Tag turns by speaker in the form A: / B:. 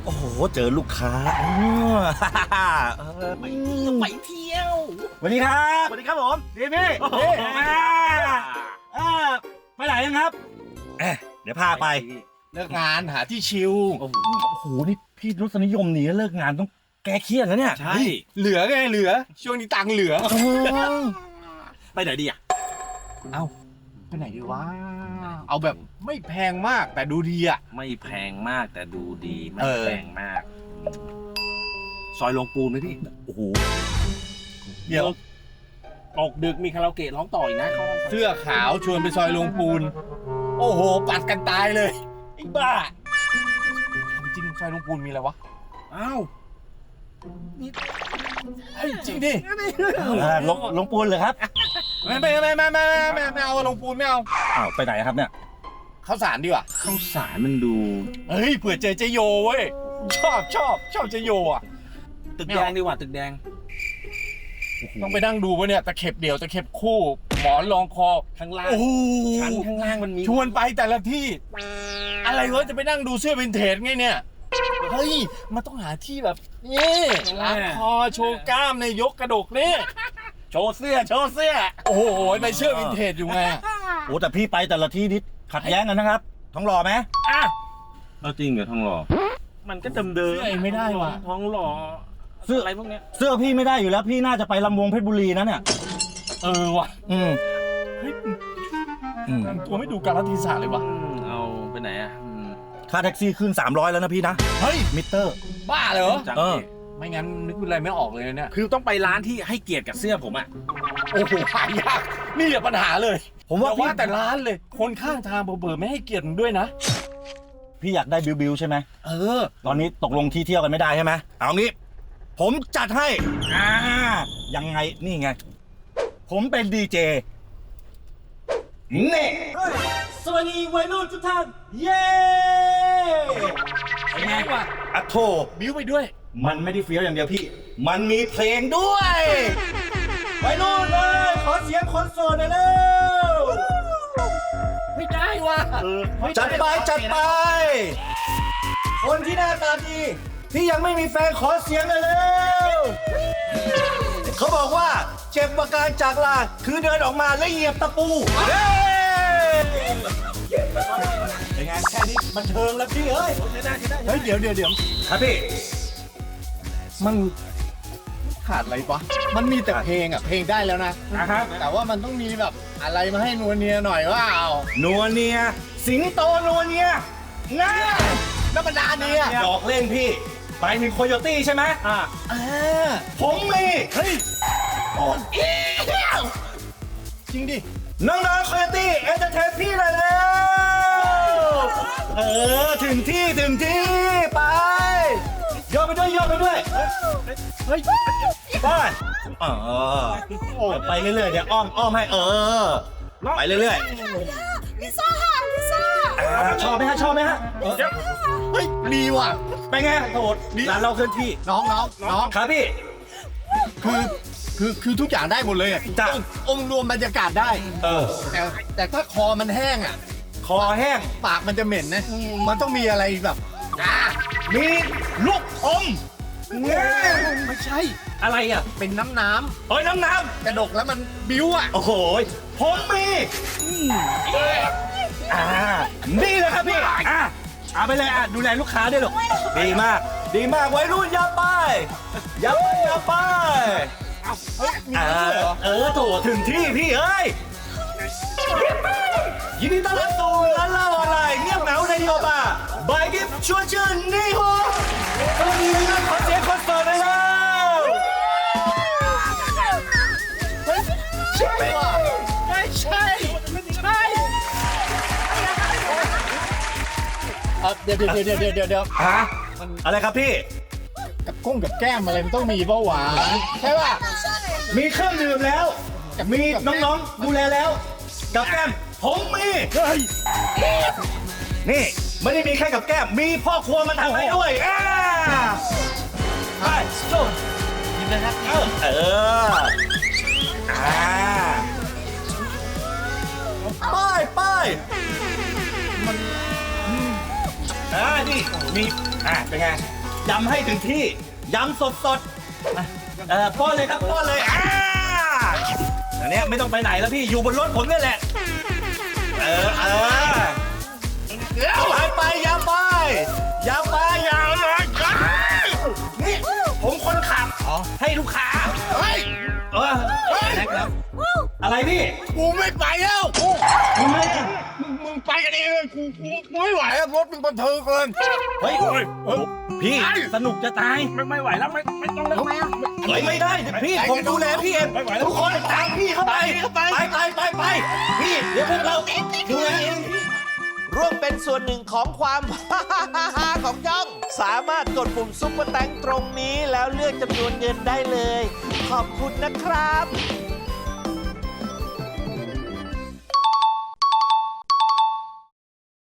A: โอ้โหเจอลูกค้าไปเที่ยวไปเที่ยวสวัสดีครับสวัสดีครับผมดีพี่ไปไหนยังครับเดี๋ยวพาไป
B: เลิกงานหาที่ชิล
A: โอ้โหนี่พี่รสนิยมหนีเลิกงานต้องแก้เครียดแล้วเนี่ย
B: ใช่เหลือไงเหลือช่วงนี้ตังค์เหลือ
A: ไปไหนดีอ่ะ
B: เอ้าไปไหนดีวะเอาแบบไม่แพงมากแต่ดูดีอ่ะ
A: ไม่แพงมากแต่ดูดีไม่แพงมากซอยลงปูนไหมพี่โอ้โห
B: เดี๋ยว
A: ตกดึกมีคาราโอเกะร้องต่ออีกนะเขา
B: เสื้อขาวชวนไปซอยลงปูนโอ้โหปัดกันตายเลยไอ้บ้าจริงซอยลงปูนมีอะไรวะ
A: อ้าว
B: จริงดิ
A: ลงปูนเลยครับ
B: ไม่เอาลงปูนไม่เอา
A: อ้าวไปไหนครับเนี่ย
B: ข้าวสารดีกว่า
A: ข้าวสารมันดู
B: เฮ้ยเผื่อเจอเจโยเว้ยชอบเจโยอ่ะ
A: ตึกแดงดีกว่าตึกแดง
B: ต้องไปนั่งดูวะเนี่ยตะเข็บเดี่ยวตะเข็บคู่หมอนรองคอ
A: ข้างล่างชั้นข้างล่างมันมี
B: ชวนไปแต่ละที่อะไรวะจะไปนั่งดูเสื้อวินเทจไงเนี่ยเฮ้ยมันต้องหาที่แบบนี่ล้างคอโชว์กล้ามในยกกระดกนี่
A: โชว์เสื้อ
B: โอ้โหไปเสื้อวินเทจอยู่ไง
A: โอ้แต่พี่ไปแต่ละที่นี่ขัดแย้งกันนะครับท้องหล่อไหมจริงเหรอท้องหล่อมันก็เดิม
B: ไม่ได้ว่ะ
A: ท้องหล่อเสื้ออะไรพวกเนี้ยเสื้อพี่ไม่ได้อยู่แล้วพี่น่าจะไปลำวงเพชรบุรีนะเนี่ย
B: ว่ะเฮ้ยตัวไม่ดูกาลเทศะเลยวะ
A: เอาไปไหนอ่ะค่าแท็กซี่ขึ้น300แล้วนะพี่นะ
B: เฮ้ย
A: มิเตอร์
B: บ้าเหรอไม่งั้นนึกอะไรไม่ออกเลยเนี่ย
A: คือต้องไปร้านที่ให้เกียรติกับเสื้อผมอ่ะ
B: โอ้โหหายากนี่แหละปัญหาเลยผมว่าแต่ร้านเลยคนข้างทางเบอร์ไม่ให้เกียรติด้วยนะ
A: พี่อยากได้บิวใช่ไหมตอนนี้ตกลงที่เที่ยวกันไม่ได้ใช่ไหมเอางี้ผมจัดให้ยังไงนี่ไงผมเป็นดีเจนี่สวัสดีวัยรุ่นทุกท่านเย้
B: เป็นไงวะ
A: อะโถ
B: บิ้วไปด้วย
A: มันไม่ได้เฟี้ยวอย่างเดียวพี่มันมีเพลงด้วยวัยรุ่นเลยขอเสียงคนโสดหน่อยเร็ว
B: ไม่ได้ว่ะ
A: จัดไปคนที่หน้าตาดีที่ยังไม่มีแฟนขอเสียงหน่อยเร็วเขาบอกว่าเจ็บประการจากลาคือเดินออกมาแล้วเหยียบตะปูเป็นไงแค่นี้มันเทิงแล้วพี่เอ้ย
B: เฮ้ยเดี๋ยว
A: ครับพี่
B: มันขาดอะไรปะมันมีแต่เพลงอ่ะเพลงได้แล้วนะแต่ว่ามันต้องมีแบบอะไรมาให้นัวเนียหน่อยว่า
A: นัวเนียสิงโตนัวเนียง่า
B: ธรรมดาเนี่ย
A: ดอกเล่นพี่ไปถึงโคโยตี้ใช่ไหมผมมี
B: เฮ้ยจริงดิ
A: น้องๆโคโยตี้เอนเตอร์เทนพี่เลยแล้วถึงที่ไปโยกไปด้วย
B: เฮ้ย
A: ไปไปเรื่อยๆเดี๋ยวอ้อมให้ไปเรื่อย
C: ๆลิซ่า
A: ชอบไหมฮะ
B: เฮ้ยดีว่ะ
A: ไปไงโหดร้านเราเคลื่อนที่
B: น้อง
A: ครับพี่
B: คือทุกอย่างได้หมดเลย
A: จ้ะ
B: องค์รวมบรรยากาศได้แต่ถ้าคอมันแห้ง
A: คอแห้ง
B: ปากมันจะเหม็นนะมันต้องมีอะไรแบบ
A: มีลูกอม
B: ไม่ใช่
A: อะไร
B: เป็นน้ำ
A: น้ำ
B: กระดกแล้วมันบิ้ว
A: โอ้โหผมมีนี่เลยครับพี่เอาไปเลยดูแลลูกค้าด้วยหรอดีมากวัยรุ่นอย่าไปโถถึงที่พี่เอ้ยยินดีต้อนรับสู่ร้านเหล้าออนไลน์เงียบเหงาในโยบาบายกิฟชวนชื่นนี่โหสวัสดีนะขอเสียงคอนเสิร์ตเลยแล้ว
B: ใช่ว่ะใช่เดี๋ยว
A: อะไรครับพี่
B: กับกุ้งกับแก้มอะไรมันต้องมีเปล่าวะใช่ป่ะ
A: มีเครื่องดื่มแล้วมีน้องๆดูแลแล้วกับแก้มผมมีนี่ไม่ได้มีแค่กับแก้มมีพ่อครัวมาทำให้ด้วยไปจบยินดีครับไปนี่มีเป็นไงยำให้ถึงที่ยำสดป้อนเลยครับป้อนเลยอันเนี้ยไม่ต้องไปไหนแล้วพี่อยู่บนรถผมนี่แหละไปยำไปนี่ผมคนขับให้ลูกค้านะครับอะไรพี่
B: กูไม่ไปแล้ว
A: ทำไมอ่ะ
B: มึงไปกันเองกูไม่ไหวแล้วรถมึงบันเทิงเกิน
A: เฮ้ยพี่สนุกจะตาย
B: ไม่ไหวแล้วไม่ต้องแล้ว
A: ไม่ได้พี่ผมดูแลพี่เองทุกคนตามพี่เข้าไปไปพี่เดี๋ยวพวกเราดูแลเอง
C: ร่วมเป็นส่วนหนึ่งของความ ของย่อง สามารถกดปุ่มซุปเปอร์แตงตรงนี้แล้วเลือกจำนวนเงินได้เลย ขอบคุณนะครับ